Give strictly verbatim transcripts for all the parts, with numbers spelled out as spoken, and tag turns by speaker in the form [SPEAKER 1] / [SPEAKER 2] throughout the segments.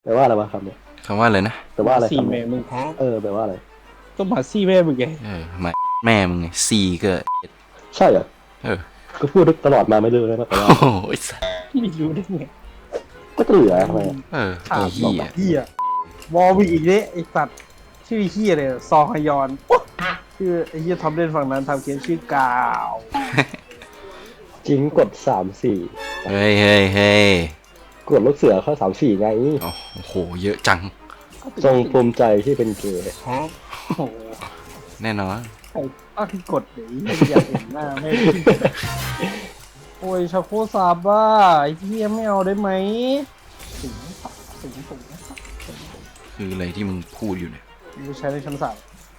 [SPEAKER 1] แปลว่าอะไรวะคำเนี้ย
[SPEAKER 2] คำว่าอะไรนะ
[SPEAKER 1] แปลว่าอะไร
[SPEAKER 3] สี่
[SPEAKER 1] คำ
[SPEAKER 3] แม่
[SPEAKER 1] เนี้ย
[SPEAKER 3] มึง
[SPEAKER 1] เออแปลว่าอะไร
[SPEAKER 3] ก็มาซี่แม่มึงไง
[SPEAKER 2] เออมาแม่มึงไงซีก็
[SPEAKER 1] ใช่เหรอ
[SPEAKER 2] เออ
[SPEAKER 1] ก็พูดตลอดมาไม่รู้เลยว่าแปลว่า
[SPEAKER 2] โอ้โหไอ้สัส
[SPEAKER 3] ไม่รู้ได้ไง
[SPEAKER 1] ก็จะเหลือทำไมอะ
[SPEAKER 2] เออ
[SPEAKER 3] ถา
[SPEAKER 2] ไอ้
[SPEAKER 3] ม
[SPEAKER 2] เหี้ย
[SPEAKER 3] เฮียวอลวิกอีกเด้ไอ้สัตว์ชื่อเฮียเลยซองฮยอนชื่อไอ้เฮียทอมเล่นฝั่งนั้นทำเกมชื่อกาว
[SPEAKER 1] จริงกดสามสี่
[SPEAKER 2] เฮ้ยเฮ้ยเฮ้ย
[SPEAKER 1] กดลูกเสือเข้าสามสี่ไง
[SPEAKER 2] โอ้โหเยอะจัง
[SPEAKER 1] ทรงภูมิใจที่เป็นเกย์
[SPEAKER 3] โอ้โห
[SPEAKER 2] แน่นอน
[SPEAKER 3] ใครตั้งกดเดี๋ยวอยากเห็นหน้าแม่งโอ้ยชาโคซาบ้าไอ้เฮียไม่เอาได้ไหมถึงถึงถึง
[SPEAKER 2] คืออะไรที่มึงพูดอยู่เนี่ย
[SPEAKER 3] กูใช้ในชั้นสาม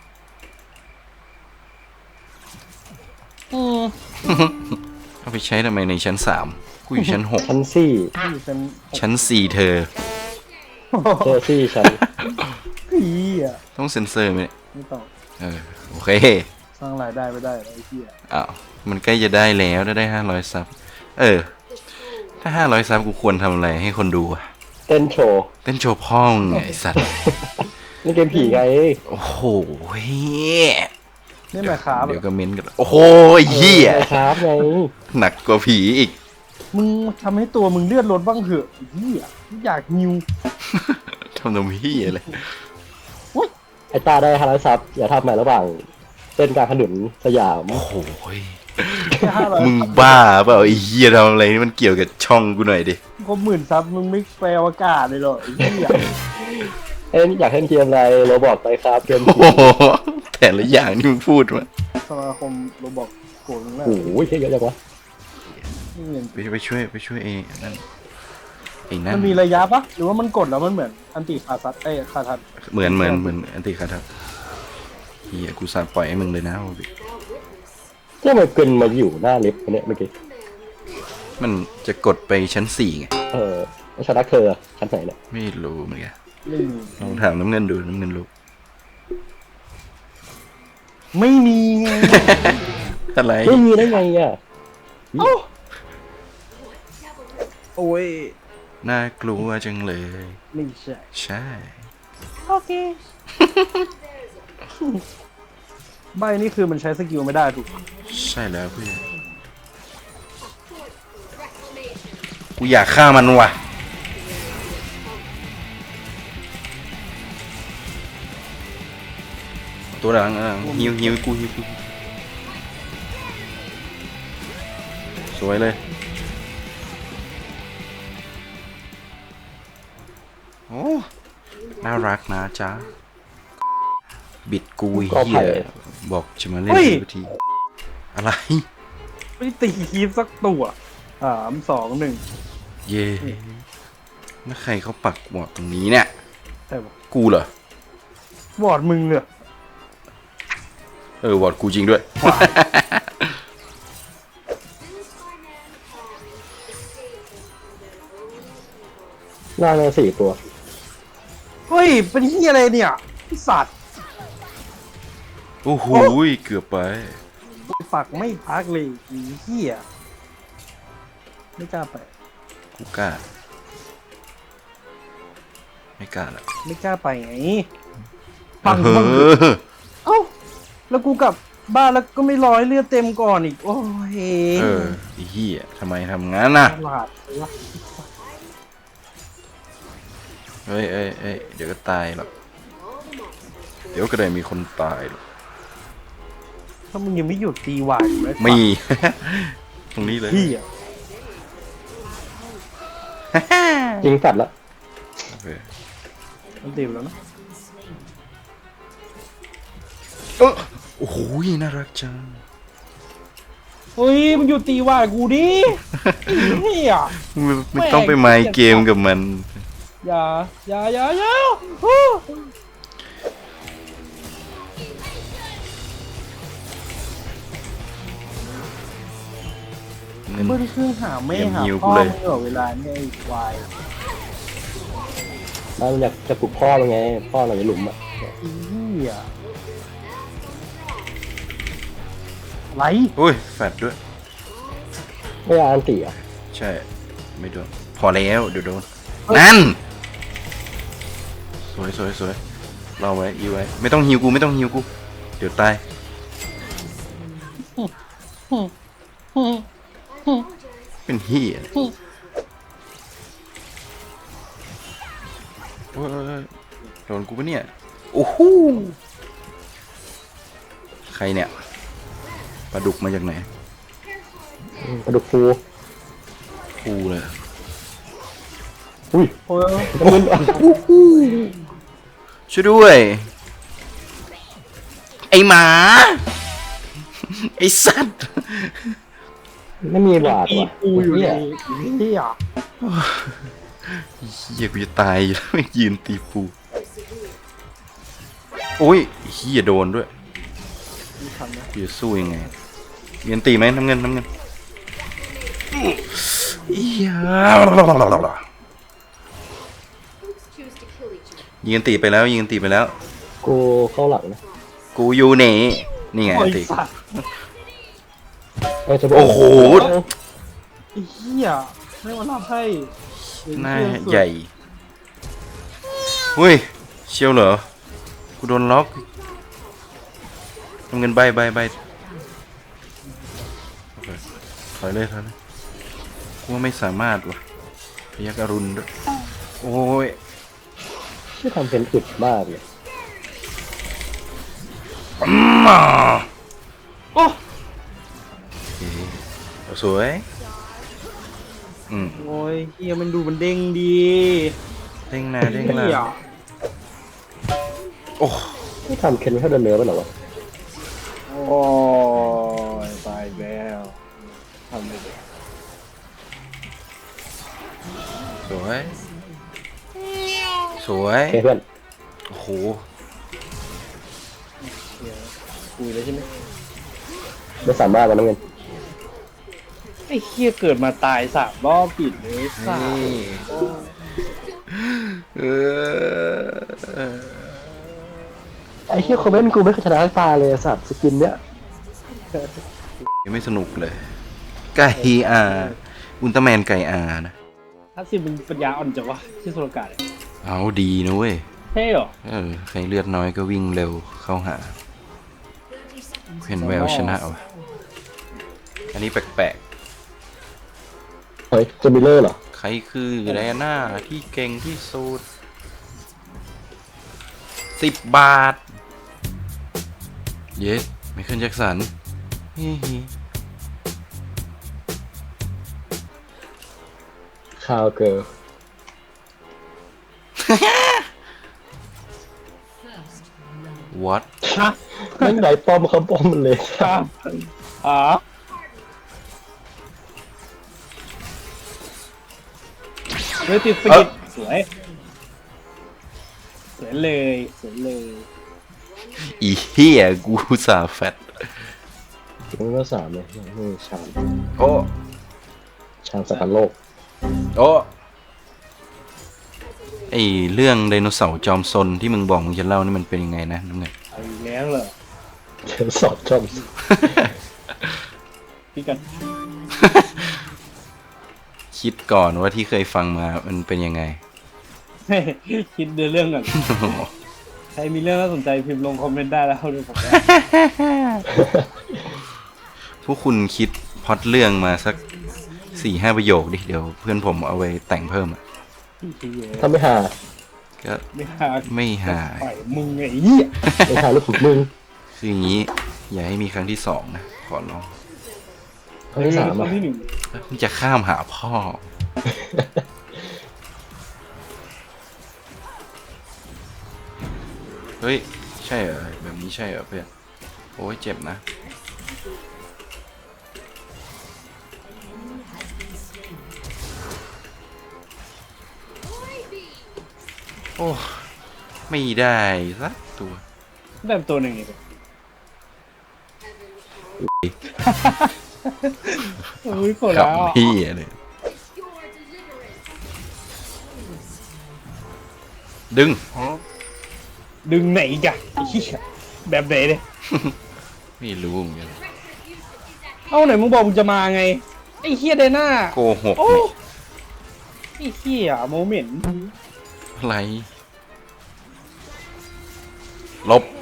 [SPEAKER 3] อืม
[SPEAKER 2] เอาไปใช้ทำไมในชั้นสามกูอยู่ชั้นหก
[SPEAKER 1] ชั้นสี่
[SPEAKER 3] อยู่ชั้น
[SPEAKER 2] ชั้นสี่เธอ
[SPEAKER 1] เจอซี่ชั้น
[SPEAKER 3] ผีอ่ะ
[SPEAKER 2] ต้องเซ็นเซอร์ไหมเนี่ย
[SPEAKER 3] ไม่ต้อง
[SPEAKER 2] เออโอเค
[SPEAKER 3] สร้างรายได้ไม่ได้ไอ้เหี้ย
[SPEAKER 2] อ้าวมันใกล้จะได้แล้วถ้าได้ห้าร้อยซับเออ ถ้าห้าร้อยซับกูควรทำอะไรให้คนดูอะ
[SPEAKER 1] เต้นโชว์
[SPEAKER 2] เต้นโชว์พ่องไงไอ้สัตว์
[SPEAKER 1] นี่เกมผีไง
[SPEAKER 2] โอ้โหเฮ้ย
[SPEAKER 3] นี่หมายครับ
[SPEAKER 2] เดี๋ยวก็เม้นกันโอ้โหเหี้ย
[SPEAKER 1] ออครับไง
[SPEAKER 2] หนักกว่าผีอีก
[SPEAKER 3] มึงทำให้ตัวมึงเลือดลดบ้างเถอะไอ้เหี้ยอยากนิว
[SPEAKER 2] ทำนมเหี้ยเลย
[SPEAKER 1] ไอ้ตาได้ฮาราซับอย่าทำใหม่ระหว่างเต้นกลางถนนสยาม
[SPEAKER 2] โอ้โหย
[SPEAKER 3] แค่ห้าร้อย
[SPEAKER 2] มึงบ้าเปล่าไอ้เหี้ยทำอะไรนี่มันเกี่ยวกับช่องกูหน่อยดิ
[SPEAKER 3] ก็หมื่นซับมึงไม่แปลอากาศเลยเหรอไอ้เหี้ย
[SPEAKER 1] เอ้ยอยากเล่นเกมอะไรโรบอกไปครับเกม
[SPEAKER 2] โอ้
[SPEAKER 1] ผี
[SPEAKER 2] โหแต่ละอย่างที่มึงพูดมา
[SPEAKER 3] สมาคมโรบอกโกรธมึงแล้ว
[SPEAKER 1] โอ้โหเยอะจังวะ
[SPEAKER 3] ไม่เห็น
[SPEAKER 2] ไปไปช่วยไปช่วยไอ้นั่นไอ้นั่
[SPEAKER 3] มัน นมีระยะปะหรือว่ามันกดแล้วมันเหมือนอันติคาซัดเอ้ยคาทัด
[SPEAKER 2] เหมือนเหมือนเหมือนอันติคาทับเฮียกูสาปล่อยให้มึงเลยนะโอบิ
[SPEAKER 1] เนี่ยมันเกินมาอยู่หน้าลิฟต์เนี่ยเมื่อกี้
[SPEAKER 2] มันจะกดไปชั้นสี่ไง
[SPEAKER 1] เออแล้วฉันรักเธอชั้นไหนเนี่ย
[SPEAKER 2] ไม่รู้เหมือนกัน
[SPEAKER 3] ไม่มี
[SPEAKER 2] ลองถามน้ำเงินดูน้ำเงินรู้
[SPEAKER 3] ไม่มีไง
[SPEAKER 2] อะไร
[SPEAKER 1] ไม่มีได้ไงอ่ะ
[SPEAKER 3] โอ้ย
[SPEAKER 2] น่ากลัวจังเลย
[SPEAKER 3] ไม่ใช่
[SPEAKER 2] ใช่
[SPEAKER 3] โอเค ใบนี่คือมันใช้สกิลไม่ได้ถูกปะ
[SPEAKER 2] ใช่แล้วเพื่อนกูอยากฆ่ามันว่ะตัวหลังอ่ะฮิวฮิวกูฮิวกูสวยเลยโอ้น่ารักนะจ๊ะบิดกูเฮียบอกจะมาเล่นทีทีอะไร
[SPEAKER 3] ไม่ตีคีฟสักตัวสามสองหนึ่ง
[SPEAKER 2] เย่แล้วใครเขาปักหมดตรงนี้เนี่ย
[SPEAKER 3] ใช่ปะ
[SPEAKER 2] กูเหรอ
[SPEAKER 3] บอดมึงเลย
[SPEAKER 2] เออวอดกูจริงด้วย
[SPEAKER 1] หน้าเนสี่ตัว
[SPEAKER 3] เฮ้ย เป็นที่อะไรเนี่ยไอ้สัตว์
[SPEAKER 2] โอ้โหเกือบไป
[SPEAKER 3] ปักไม่พักเลยไอ้เหี้ยไม่กล้าไป
[SPEAKER 2] กูกล้า ไม่กล้าละ
[SPEAKER 3] ไม่กล้าไปไงปัง
[SPEAKER 2] เอ
[SPEAKER 3] ปัง
[SPEAKER 2] อ
[SPEAKER 3] เอ้าแล้วกูกลับบ้านแล้วก็ไม่ร้อยเลือดเต็มก่อนอีก โอ้ย
[SPEAKER 2] เออไอ้เหี้ยทำไมทำงั้นน่ะ
[SPEAKER 3] ตลาดเลยวะ
[SPEAKER 2] เฮ้ยเอ้ยเอ้ยเดี๋ยวก็ตายหรอกเดี๋ยวก็ได้มีคนตายหรอก
[SPEAKER 3] ถ้ามึงยังไม่หยุดตีหวานอยู่ไหม
[SPEAKER 2] มี ตรงนี้เลย
[SPEAKER 3] พี่อะ
[SPEAKER 1] ยิงกัดละ
[SPEAKER 2] โอเค
[SPEAKER 3] มันตีแล้วนะ
[SPEAKER 2] เออโอ้โหน่ารักจัง
[SPEAKER 3] เฮ้ยมึงหยุดตีหวานกูดิเฮีย
[SPEAKER 2] ไม่ไม่ต้องไปไมค์เกมกับมัน
[SPEAKER 3] อย่าอย่าอย่าอย่าฮู้
[SPEAKER 2] เงิน
[SPEAKER 3] เบิ้ลเครื่องหาไม่หา
[SPEAKER 2] เยี่ยมหิวกู
[SPEAKER 3] พ่อ
[SPEAKER 2] เลย
[SPEAKER 3] มึงเหรอเวลาเนี่ยไอ้ควาย
[SPEAKER 1] แล้วมันอยากจะปลุกพ่อมันไงพ่อเราในหลุมอ่ะ
[SPEAKER 3] อีเหี้ยอะไร
[SPEAKER 2] โอ้ยแฟดด้วย
[SPEAKER 1] ไม่เอาอันตีอ่ะ
[SPEAKER 2] ใช่ ไม่โดน พอแล้วเดี๋ยวโดน นั่นสวยสวยสวยรอไว้อีไว้ไม่ต้องฮิวกูไม่ต้องฮิวกูเดี๋ยวตายเป็นเฮียโอ้ยโดนกูปะเนี่ยโอ้โหใครเนี่ยปลาดุกมาจากไหน
[SPEAKER 1] กระดูกฟู
[SPEAKER 2] กูเลย
[SPEAKER 1] อุ้ย
[SPEAKER 3] โอ้ย
[SPEAKER 1] น้ำเงินอ่ะ
[SPEAKER 2] ช่วยด้วย ไอหมา ไอสัตว์
[SPEAKER 1] ไม่มีบาด
[SPEAKER 3] ตี
[SPEAKER 1] ว่ะ
[SPEAKER 3] กูอยู่
[SPEAKER 1] เนี่
[SPEAKER 3] ใน
[SPEAKER 1] ย
[SPEAKER 3] ที่อ่ะ
[SPEAKER 2] เฮียกูจะตายอยู่แล้วไม่ยืนตีปูโอ้ยเฮียโดนด้วย
[SPEAKER 3] มีคันนะ
[SPEAKER 2] กูจะสู้ยังไงเงินตีไหมน้ำเงินน้ำเงินเฮียยิงตีไปแล้วยิงตีไปแล้ว
[SPEAKER 1] กูเข้าหลังนะ
[SPEAKER 2] กูอยู่ไหนนี่ไง
[SPEAKER 3] โอ้ย
[SPEAKER 2] ตี
[SPEAKER 3] สัตว์
[SPEAKER 1] เออจะบอก
[SPEAKER 2] โอ้โห
[SPEAKER 3] ไอ้เหี้ยไม่มารับให้
[SPEAKER 2] หน้าใหญ่เฮ้ยเชียวเหรอกูโดนล็อกน้ำเงินใบใบใบโอเคถอยเลยถอยเลยกูว่าไม่สามารถว่ะพยักอรุณด้วยโอ้ย
[SPEAKER 1] ที่ทำเป็นอึดมากเลย
[SPEAKER 2] มา
[SPEAKER 3] โอ้
[SPEAKER 2] โอเคเอาสวยอืม
[SPEAKER 3] โอ้ยเหี้ยมันดูมันเด้งดี
[SPEAKER 2] เด้งหน้าเด้งห
[SPEAKER 3] เหี้ย
[SPEAKER 2] ลังโอ้
[SPEAKER 1] ที่ทำเคนไม่เท่าเดินเนื้อป่ะเหรอวะ
[SPEAKER 3] โอ้ยตายอีกแล้วทำไม่ได้
[SPEAKER 2] สวยสวย
[SPEAKER 1] โอเคเพื่อน
[SPEAKER 2] โอ้โห
[SPEAKER 3] เหี้ยคุยแล้วใช่ไหม
[SPEAKER 1] ไม่สามารถมาน้ำเงิน
[SPEAKER 3] ไอ้เหี้ยเกิดมาตายสามรอบปิดเลยสาม
[SPEAKER 2] นี่เออ
[SPEAKER 1] ไอ้เฮียคอมเมนต์กูไม่เคยชนะตาเลยสัตว์สกินเนี้ย
[SPEAKER 2] ยังไม่สนุกเลย ไก่อาอุลตร้าแมนไก่อานะ
[SPEAKER 3] ถ้าสิมึงปัญญาอ่อนจังวะที่สุรกาศ
[SPEAKER 2] เอาดีนะเว้ย
[SPEAKER 3] เท่เหรอ
[SPEAKER 2] เออ ใครเลือดน้อยก็วิ่งเร็วเข้าหา เห็นแววชนะวะอันนี้แปลก
[SPEAKER 1] เฮ้ยเจมิเลอร์เหรอ
[SPEAKER 2] ๆ ใครคือแดน่าที่เก่งที่สุดสิบบาท เย้ไมเคิลแจ็คสันฮิฮิ
[SPEAKER 1] คาวเกิร์ล
[SPEAKER 2] วัด
[SPEAKER 3] ฮะ
[SPEAKER 1] แม่งไหนป้อมเขาป้อมมันเลย
[SPEAKER 3] ครับอ๋อเฮ้ยติดสกิดสวย สวยเลย สวยเลย
[SPEAKER 2] อีเฮียกูสาแฟต
[SPEAKER 1] มันก็สามเลยนี่ชาม
[SPEAKER 2] โอ้
[SPEAKER 1] ชามสักการโลก
[SPEAKER 2] โอ้ไอเรื่องไดโนเสาร์จอมซนที่มึงบอกมึงจะเล่านี่มันเป็นยังไงนะน้ำเงิน
[SPEAKER 3] เอาอีกแล้วเหรอ
[SPEAKER 1] เขียนสอบจอม
[SPEAKER 3] พี่กัน
[SPEAKER 2] คิดก่อนว่าที่เคยฟังมามันเป็นยังไง
[SPEAKER 3] คิดเดือเรื่องก่อน ใครมีเรื่องน่าสนใจพิมพ์ลงคอมเมนต์ได้แล้วดูผมได้
[SPEAKER 2] พวกคุณคิดพล็อตเรื่องมาสักสี่ห้าประโยคดิ เดี๋ยวเพื่อนผมเอาไว้แต่งเพิ่มอ่ะ
[SPEAKER 1] ถ้าไม่หา
[SPEAKER 2] ก็
[SPEAKER 3] ไม่หา
[SPEAKER 2] ไม่หา
[SPEAKER 3] ปล่อยมึงไงเหี้ย
[SPEAKER 1] ไม่หาลูกขุดมึง
[SPEAKER 2] คืออย่างนี้ อย่าให้มีครั้งที่สองนะ ขอร้อง
[SPEAKER 1] ครั้งที่สาม
[SPEAKER 3] ครั้
[SPEAKER 1] อ่ะ
[SPEAKER 3] งที่หนึ่ง
[SPEAKER 2] มันจะข้ามหาพ่อ เฮ้ย ใช่เหรอ แบบนี้ใช่เหรอเพื่อน โอ้ยเจ็บนะ โอ้ ไม่ได้สักตัว
[SPEAKER 3] ได้ตัวหนึ่งอีกโอ้ยปวด
[SPEAKER 2] ขับ
[SPEAKER 3] แล้ว
[SPEAKER 2] พี่เลย ดึง
[SPEAKER 3] ดึงไหนอีกอะไอ้เหี้ยแบบไหนเนี่ย
[SPEAKER 2] ไม่รู้เหมือนกัน
[SPEAKER 3] เอ้าไหนมึงบอกมึงจะมาไง ไอ้เฮียเดน่า
[SPEAKER 2] โกหก
[SPEAKER 3] โอ้
[SPEAKER 2] นี่
[SPEAKER 3] ไอ้เฮียโมเมนต์
[SPEAKER 2] อะไรลบ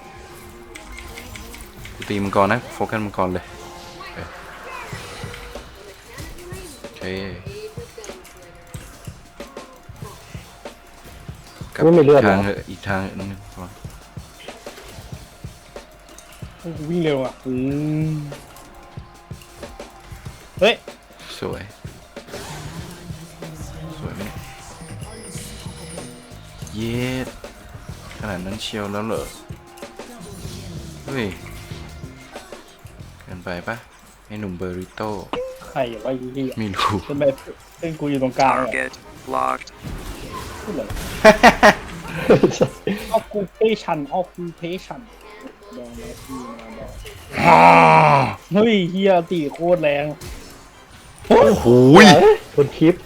[SPEAKER 2] กูตีมังกรนะโฟกัสมังกรเลยเออโอเคกลับ
[SPEAKER 1] ไม่มีเลือด
[SPEAKER 2] ทาง
[SPEAKER 1] เหรอ
[SPEAKER 2] เถอะอีกทางนึงก่อน
[SPEAKER 3] กูวิ่งเร็วอ่ะอืมเฮ้ย
[SPEAKER 2] สวยสวยไหมเนี่ยเย็ดขนาดนั้นเชียวแล้วเหรอเฮ้ยเกินไปปะไอ้หนุ่มเบอริโต้
[SPEAKER 3] ใครวะไอ้เหี้ย
[SPEAKER 2] ไม่รู้
[SPEAKER 3] เป็นแบบเป็นกูอยู่ตรงกลางอ่ะ
[SPEAKER 4] Target locked.
[SPEAKER 3] พูดเลย occupation occupation ลองแล้วพี่มาบอกเฮ้ยเฮียตีโคตรแรง
[SPEAKER 2] โอ้โหย
[SPEAKER 1] คนคลิป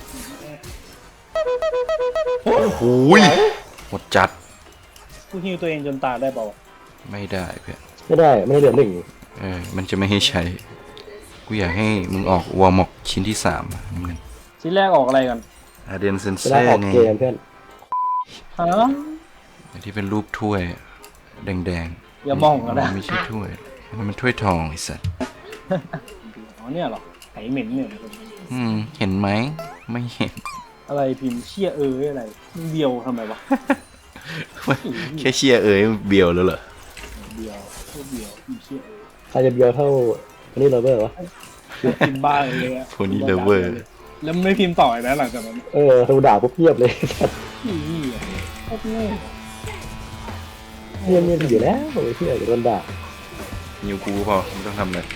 [SPEAKER 2] โอ้โหยหมดจัด
[SPEAKER 3] กูฮิวตัวเองจนตายได้เปล่าวะ
[SPEAKER 2] ไม่ได้เพื่อน
[SPEAKER 1] ไม่ได้ไม่ได้เหลือหนึ่ง
[SPEAKER 2] เออมันจะไม่ให้ใช้ กูอยากให้มึงออกวอร์มอกชิ้นที่สามอะน้ำเงิน
[SPEAKER 3] ชิ้นแรกออกอะไรกัน
[SPEAKER 2] อาเดนเซน
[SPEAKER 1] จะ
[SPEAKER 2] เซ่
[SPEAKER 1] ได้ออก
[SPEAKER 2] ไง
[SPEAKER 1] เกมเพื่อน
[SPEAKER 3] ฮะ
[SPEAKER 2] ที่เป็นรูปถ้วยแดงๆ
[SPEAKER 3] อย่ามองกันนะ
[SPEAKER 2] ไม่ใช่ถ้วยมันเป็นถ้วยทองไอ้สัส
[SPEAKER 3] อ๋อเนี่ยเหรอไหเหม็นเนี่ย
[SPEAKER 2] อืมเห็นไหมไม่เห็น
[SPEAKER 3] อะไรพิมพ์เชี่ยเอออะไรมึงเดียวทำไมวะ
[SPEAKER 2] แค่เชียร์เอ๋ยเบียวแล้วเหรอ
[SPEAKER 3] เดียวโคตรเดียวพิมพ์เชี่ยเออ
[SPEAKER 1] ใครจะเบียวเท่าอันนี้เราเบอร์วะ
[SPEAKER 3] พิมพ์บ้าเลยอะ
[SPEAKER 2] โพนี่เลเวอร์
[SPEAKER 3] แล้วมึงไม่พิมพ์ต่ออีกนะหลังจากนั้น
[SPEAKER 1] เออเราด่าปุ๊บเงียบเลย
[SPEAKER 3] อีเหี้ยโคตรโง่
[SPEAKER 1] เงียบเงียบอยู่แล้วโอ้ยเชื่อเดี๋ยวโดนด่า
[SPEAKER 2] นิวกูพอไม่ต้องทำเลย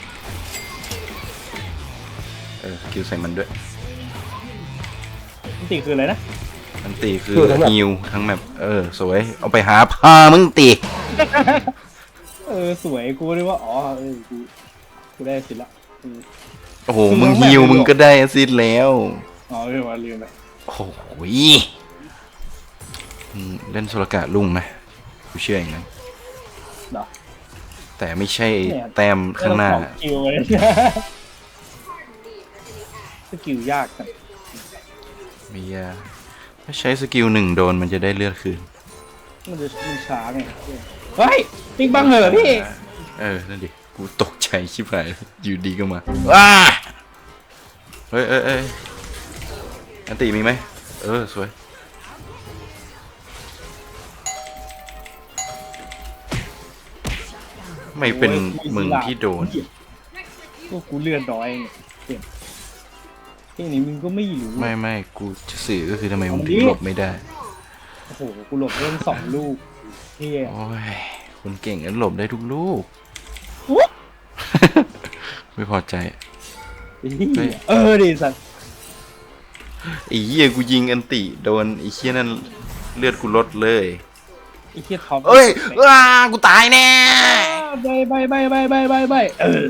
[SPEAKER 2] เออสกิลใส่มันด้วย
[SPEAKER 3] มันตีคืออะไรนะ
[SPEAKER 2] มันตีคือฮิวทั้งแบบเออสวยเอาไปหาพามึงตี
[SPEAKER 3] เออสวยกูเลยว่าอ๋อเออกูกูได้สิละอืม
[SPEAKER 2] โอ้โหมึงฮิวมึงก็ได้แอสซิดแล้ว
[SPEAKER 3] อ๋อเรื่องว่าลืมไป
[SPEAKER 2] โอ้โหอืมเล่นโซลกะลุ่งไหมกูเชื่ออย่างนั้น
[SPEAKER 3] เนาะ
[SPEAKER 2] แต่ไม่ใช่แต้มข้างหน้า
[SPEAKER 3] ไม่ต้องสองคิวเลยสกิลยากจัง
[SPEAKER 2] มียาถ้าใช้สกิลหนึ่งโดนมันจะได้เลือดคืน
[SPEAKER 3] มันจะมันช้าไงเฮ้ยปิ๊งบังเหรอพี่
[SPEAKER 2] เออ นั่นดิ กูตกใจชิบหายอยู่ดีก็มาว้าเฮ้ยเอ้ยเอ้ยอันติมีไหม เออ สวย ไม่เป็นมึงที่โดน
[SPEAKER 3] พวกกูเลื่อนน้อยไงเก็บที่นี้มึงก็ไม่รู้
[SPEAKER 2] ไม่ไม่กูจะสื่อก็คือทำไมมึง
[SPEAKER 3] อัน
[SPEAKER 2] ถึ
[SPEAKER 3] นี้
[SPEAKER 2] งหลบไม่ได้
[SPEAKER 3] โอ้โหกูหลบเล่นสองลูกเฮีย
[SPEAKER 2] โอ้ย คนเก่งนั้นหลบได้ทุกลูก ไม่พอใจ
[SPEAKER 3] เหี้ยเออดิสัตว์
[SPEAKER 2] ไอ้เหี้ยกูยิงอันติโดนไอ้เหี้ยนั่นเลือดกูลดเลย
[SPEAKER 3] ไอ้เฮียท็อป
[SPEAKER 2] เอ้ยว้ากูตายแน่
[SPEAKER 3] ใบใบใบใบใบใบใบเออ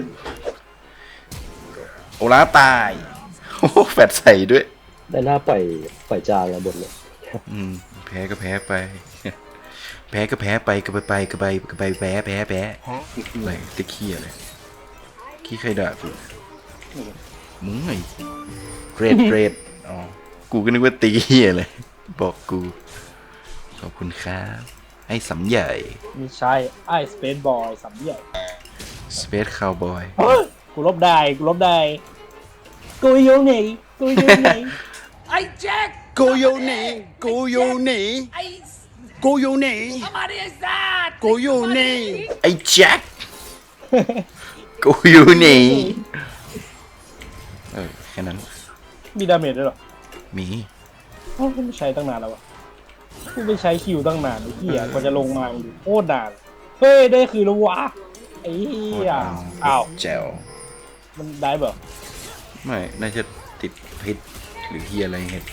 [SPEAKER 2] โอลาฟตายโอ้โหแฟดใส่ด้วย
[SPEAKER 1] ได้หน้าปล่อยปล่อยจางอะบนเลย
[SPEAKER 2] อืมแพ้ก็แพ้ไป แพ้ก็แพ้ไปก็ไปไปก็ไปก็ไปแพ้แพ้แพ้อะไรตะเคียอะไรขี้ใครด่ากูมึงไงเกรดเกรดอ๋อกูก็นึกว่าตีเหี้ยเลยบอกกูขอบคุณครับไอ้สำใหญ่
[SPEAKER 3] ไม่ใช่ไอ้สเปซบอยสามใหญ่
[SPEAKER 2] สเปซคาวบอย
[SPEAKER 3] กูลบได้กูลบได้กูอยู่ไหนกูอยู่ไหน
[SPEAKER 5] Hey Jack,
[SPEAKER 6] Go your knee, go your knee,
[SPEAKER 5] hey,
[SPEAKER 6] go your knee,
[SPEAKER 5] somebody is that?
[SPEAKER 6] go your knee.
[SPEAKER 2] ไอ้แจ็ค กูอยู่นี่เออแค่นั้น
[SPEAKER 3] มีดาเมจด้วยเหรอ
[SPEAKER 2] มี
[SPEAKER 3] เอ้าไม่ใช้ตั้งนานแล้ววะกูไปใช้คิวตั้งนานไอ้เหี้ยกว่าจะลงมาอยู่โคตรนานเฮ้ยได้คือแล้ววะไอ้เหี้ยอ้าว
[SPEAKER 2] แจ๋ว
[SPEAKER 3] มันได้เปล่า
[SPEAKER 2] ไม่ น่าจะติดพิษหรือเฮียอะไรเห็ดไป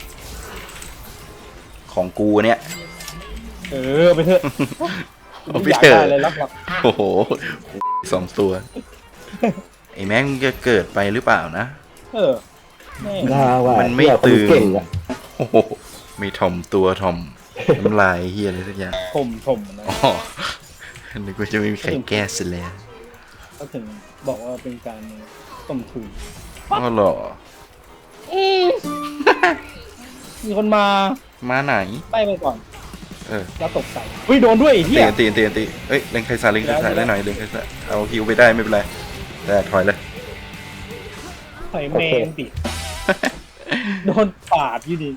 [SPEAKER 2] ของกูเนี่ย
[SPEAKER 3] เออไปเถอะ
[SPEAKER 2] เอาไป
[SPEAKER 3] อยาก
[SPEAKER 2] เถอะ
[SPEAKER 3] ได้เลยรับหลัก
[SPEAKER 2] โอ้โหสองตัว ไอ้แม่งจะเกิดไปหรือเปล่านะ
[SPEAKER 3] เออแม่
[SPEAKER 1] ด่าว่า
[SPEAKER 2] มันไม่
[SPEAKER 1] เหี้ยคน
[SPEAKER 2] ตื่น
[SPEAKER 1] เก่งอะ
[SPEAKER 2] โอ้โหไม่ถ่อมตัวถ่อม น้ำลายเฮียอะไรสักอย่าง
[SPEAKER 3] ถมถมนะ
[SPEAKER 2] อ๋อนึกว่าจะไม่มีใครแก้ซะแล้ว
[SPEAKER 3] ก็ถึงบอกว่าเป็นการต้มทุน
[SPEAKER 2] ก็หรอ
[SPEAKER 3] มีคนมา
[SPEAKER 2] มาไหน
[SPEAKER 3] ไปไปก่อน
[SPEAKER 2] เออ
[SPEAKER 3] แล้วตกใจเฮ้ยโดนด้วยไอ้
[SPEAKER 2] ตี
[SPEAKER 3] เหี้ย
[SPEAKER 2] ตีตีตีเอ้ยเล่นไคซาเล่นไคซาได้หน่อยเล่นไคซาเอาฮิวไปได้ไม่เป็นไรแต่ถอยเลย
[SPEAKER 3] ใส่แมงดิโดนปาดอยู่ดิ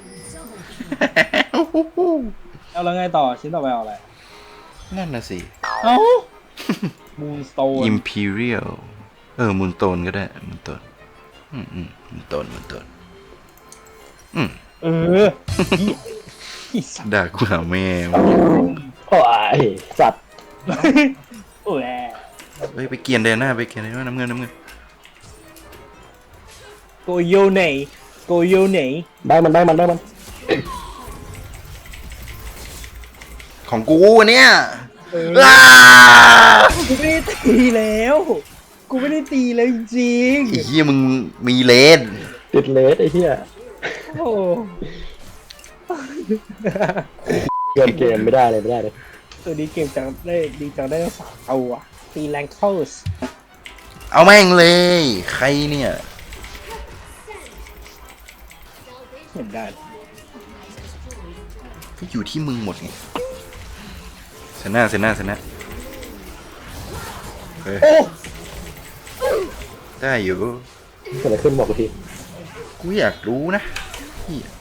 [SPEAKER 3] เอาแล้วไงต่อชิ้นต่อไปเอาอะไร
[SPEAKER 2] นั่นน่ะสิ
[SPEAKER 3] เอ้ามูนสโตน
[SPEAKER 2] Imperial เออมุนโตนก็ได้มุนโตนอืมอืมมุนโตนมุนโตนอืม
[SPEAKER 3] เอออีสัตว์
[SPEAKER 2] ด่ากูหาแม่
[SPEAKER 1] โอ้ยสัตว์
[SPEAKER 3] โอ้ย
[SPEAKER 2] เฮ้ยไปเกียนเดนหน้าไปเกียนเดนหน้าน้ำเงินน้ำเงิน
[SPEAKER 3] โกโยเนโกโยเน
[SPEAKER 1] ได้มันได้มันได้มัน
[SPEAKER 2] ของกูเนี่ย
[SPEAKER 3] เออ
[SPEAKER 2] อ้า
[SPEAKER 3] กูไม่ได้ตีแล้ว กูไม่ได้ตีเลยจริง
[SPEAKER 2] ไอ้เหี้ยมึงมีเลน
[SPEAKER 1] ติดเลสไอ้เหี้ย
[SPEAKER 3] โอ้
[SPEAKER 1] เกินเกมไม่ได้เลยไม่ได้เลย
[SPEAKER 3] ตัวนี้เกมจังได้ดีจังได้สามตัวตีแรงเคิลส์
[SPEAKER 2] เอาแม่งเลยใครเนี่ย
[SPEAKER 3] เหมือนได้
[SPEAKER 2] ก็อยู่ที่มึงหมดไงเซน่าเซน่าเซน่าเฮ้ย
[SPEAKER 3] โอ้
[SPEAKER 2] ได้อยู่
[SPEAKER 1] เกิดอะไรขึ้นบอกกูที
[SPEAKER 2] กูอยากรู้นะเหี้ย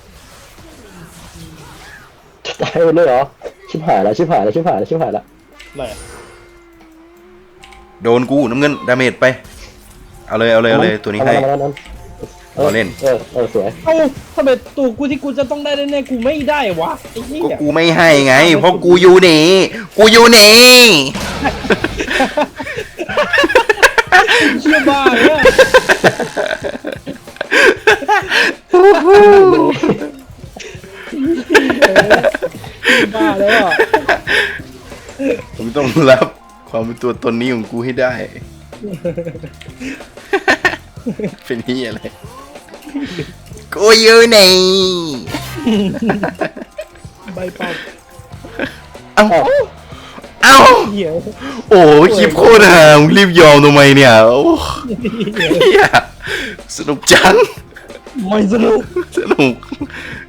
[SPEAKER 1] จะตายหมดเลยเหรอชิบหายแล้วชิบหายแล้วชิบหายแล้วชิบหายแล้ว
[SPEAKER 3] เลย
[SPEAKER 2] โดนกูน้ำเงินดาเมจไป เอาเลยเอาเลยเอาเลยตัวนี้ให้
[SPEAKER 1] เอามันเอามัน
[SPEAKER 2] รอเล่น
[SPEAKER 1] เออเออสวย
[SPEAKER 3] เอ้าทำไมตัวกูที่กูจะต้องได้แน่ๆกูไม่ได้วะไอ้เหี้
[SPEAKER 2] ก็
[SPEAKER 3] ย
[SPEAKER 2] กูไม่ให้ไง เพราะกูอยู่นี่กูอยู่นี่
[SPEAKER 3] เชื่อบ้าเนี่ยบ้าแล้วอ่ะ
[SPEAKER 2] ผมต้องรับความเป็นตัวตนนี้ของกูให้ได้ เป็นนี่อะไรกูอยู่นี่
[SPEAKER 3] ใบเป่า
[SPEAKER 2] เอ้าเอ้า
[SPEAKER 3] เหี้ย
[SPEAKER 2] โอ้คลิปโคตรห่ามึงรีบยอมทำไมเนี่ยโอ้เหี้ยสนุกจัง
[SPEAKER 3] ไม่สนุก
[SPEAKER 2] สนุก